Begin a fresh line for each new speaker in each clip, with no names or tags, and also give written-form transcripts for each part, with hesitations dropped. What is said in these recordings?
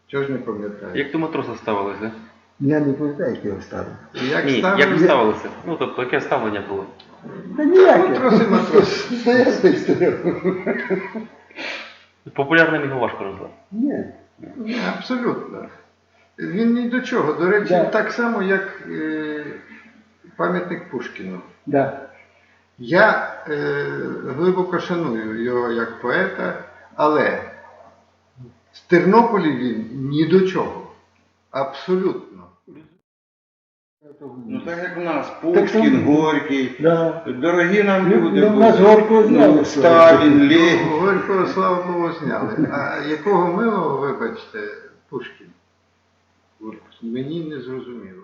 Чого ж не пам'ятаю?
Як до матроса ставилися?
Я не пам'ятаю, як його ставив.
Ні, як ви ставилися? Ну, тобто, яке ставлення було?
Та ніяке.
Матрос.
Стояв, той стояв.
Популярним його важко назвати.
Ні.
Ні, абсолютно. Він ні до чого. До речі,
Да.
так само, як пам'ятник Пушкіну.
Да.
Я глибоко шаную його як поета, але в Тернополі він ні до чого. Абсолютно.
Ну так як в нас, Пушкін, Горький,
Да.
дорогі нам люди
Ну, нас Горького зняли.
Сталін, Ленін.
Горького, слава Богу, зняли. А якого милого, вибачте, Пушкін? Мені не зрозуміло.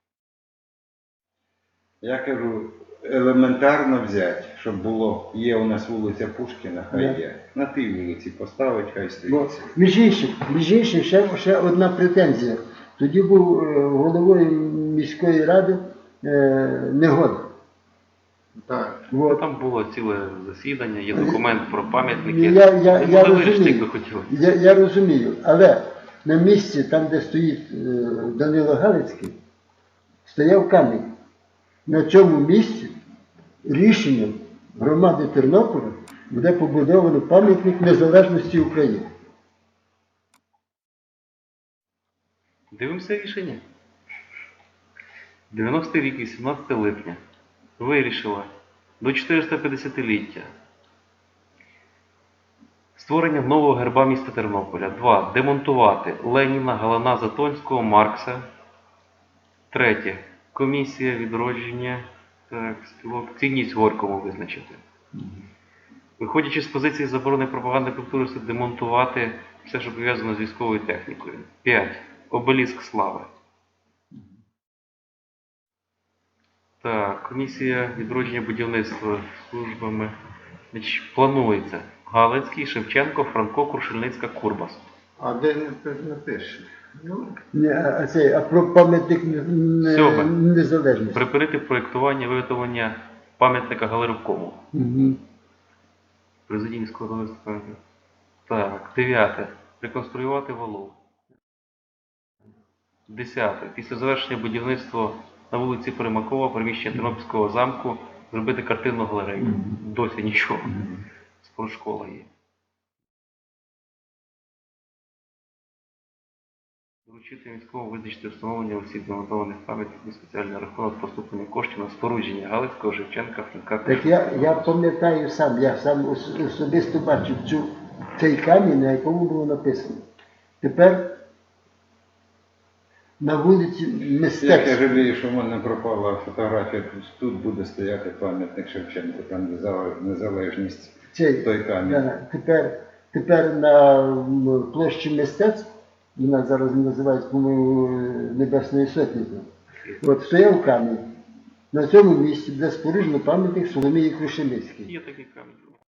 Я кажу, елементарно взяти, щоб було, є у нас вулиця Пушкіна, хай є. На тій вулиці поставить, хай
Бо,
стоїть.
між іншим, ще одна претензія. Тоді був головою міської ради Негода.
Так.
Вот.
Там було ціле засідання, є документ про пам'ятники.
Я
Не могли вирішити, як би
розумію,
хотіли.
я розумію, але на місці, там де стоїть Данило Галицький, стояв камінь. На цьому місці рішенням громади Тернополя буде побудовано пам'ятник незалежності України.
Дивимося рішення. 90-й рік, 18 липня. Вирішила до 450-ліття. Створення нового герба міста Тернополя. 2. Демонтувати Леніна, Галана, Затонського, Маркса. 3. Комісія відродження. Так, спілок. Цінність Горькому визначити. Виходячи з позиції заборони пропаганди культури, це демонтувати все, що пов'язано з військовою технікою. 5. Обеліск слави. Так, комісія відродження будівництва службами. Значить, планується Галицький, Шевченко, Франко, Крушельницька, Курбас.
А де не пише? Ну,
А про пам'ятник
Сьоме.
незалежності.
Припинити проєктування, виготовлення пам'ятника Галерівкому.
Угу.
Президії міського голови. Так, 9. Реконструювати валу. 10. Після завершення будівництва на вулиці Примакова, приміщення Тернопільського замку, зробити картинну галерею. Досі нічого. Спортшкола є. Доручити міському визначити встановлення усіх демонтованих пам'ятників на спеціальний рахунок поступлення коштів на спорудження Галицького, Шевченка, Франка.
Так я пам'ятаю сам, я сам особисто бачив цей камінь, на якому було написано. Тепер на вулиці
Як я
мистецтва.
жалію, що в мене пропала фотографія, тут буде стояти пам'ятник Шевченку, там де незалежність, той камінь.
Да, тепер на площі мистецтв, вона зараз називається, по-моєму, Небесною Сотнею. От стояв камінь. На цьому місці, де споруджено пам'ятник Соломії Крушельницькій.
Є такий камінь.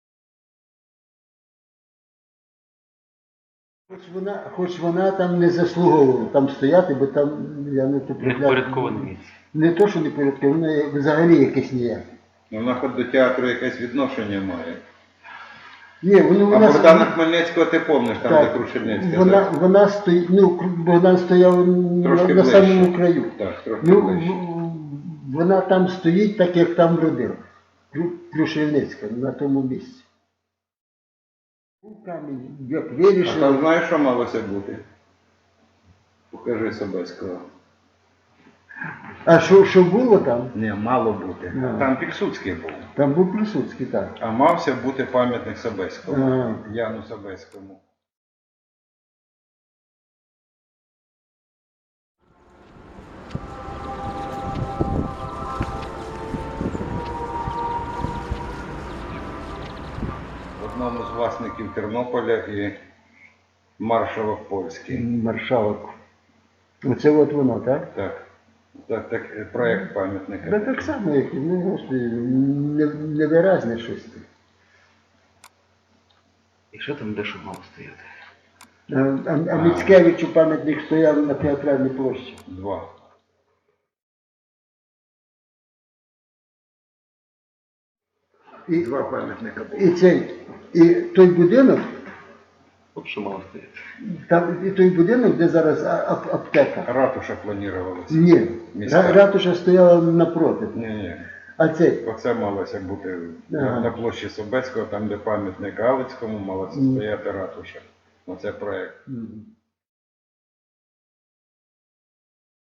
Хоч вона там не заслуговувала там стояти, бо там, я не
Не впорядковане місце.
Не то, що не впорядковане, воно взагалі якесь ніяке.
Вона хоч до театру якесь відношення має.
Ні,
А Богдана Хмельницького ти помниш, там
так,
де Крушельницька.
вона стоїть, Богдан стояв на самому краю.
Так, трохи ближче.
Вона там стоїть, так як там родила. Крушельницька, на тому місці. Був камінь, як
А там
вирішили.
знаєш, що малося бути? Покажи Собеського.
А що було там?
Не, мало бути.
Ну.
Там Пільсудський був.
Там був Присуцький, так.
А мався бути пам'ятник Собеському.
Ага.
Яну Собеському. Одному з власників Тернополя і маршалок польський.
Маршалок. Оце от воно, так?
Так, проєкт пам'ятника.
Да так само, як, господи, невиразне щось.
І що там дещо мало стояти?
А Міцкевичу пам'ятник стояв на Театральній площі.
2.
Два пам'ятника було.
І той будинок
От що мало стояти.
Там і той будинок, де зараз аптека.
Ратуша планувалася.
Ні,
Міська.
ратуша стояла напроти.
Ні.
А цей,
Оце малося бути
Ага.
на площі Собеського, там де пам'ятник Галицькому, мала це стояти ратуша. Оце проект.
Мгм.